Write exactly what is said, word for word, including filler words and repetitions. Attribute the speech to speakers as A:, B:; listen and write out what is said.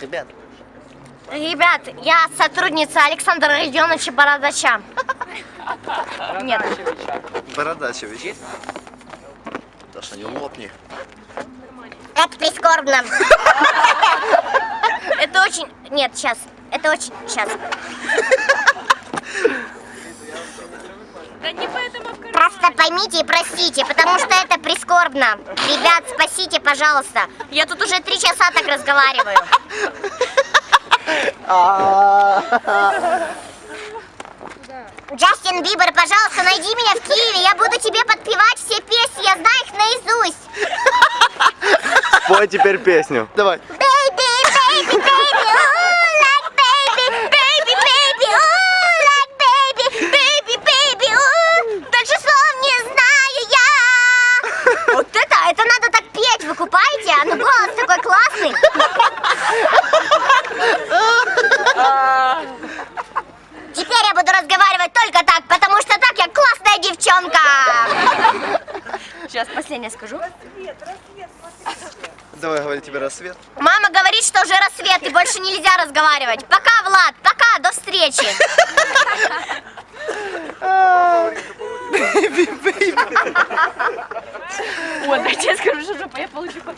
A: Ребят.
B: Ребят, я сотрудница Александра Родионовича Бородача. Нет.
A: Бородачевич. Даша, не лопни.
B: Это прискорбно. Это очень... Нет, сейчас. Это очень... Сейчас. Просто поймите и простите, потому что это прискорбно. Ребят, спасите, пожалуйста. Я тут уже три часа так разговариваю. Джастин Бибер, пожалуйста, найди меня в Киеве. Я буду тебе подпевать все песни, я знаю их наизусть.
C: Спой теперь песню.
A: Давай.
B: Baby, baby, baby, ooh, like baby, baby, baby, ooh, like baby, baby, baby, ooh. Дальше слов не знаю я. Вот это, это надо так петь, вы купаете? А ну голос такой классный. Теперь я буду разговаривать только так, потому что так я классная девчонка. Сейчас последнее скажу.
A: Давай, говори тебе рассвет.
B: Мама говорит, что уже рассвет и больше нельзя разговаривать. Пока, Влад, пока, до встречи.
D: Вот, дайте я скажу, что я получу.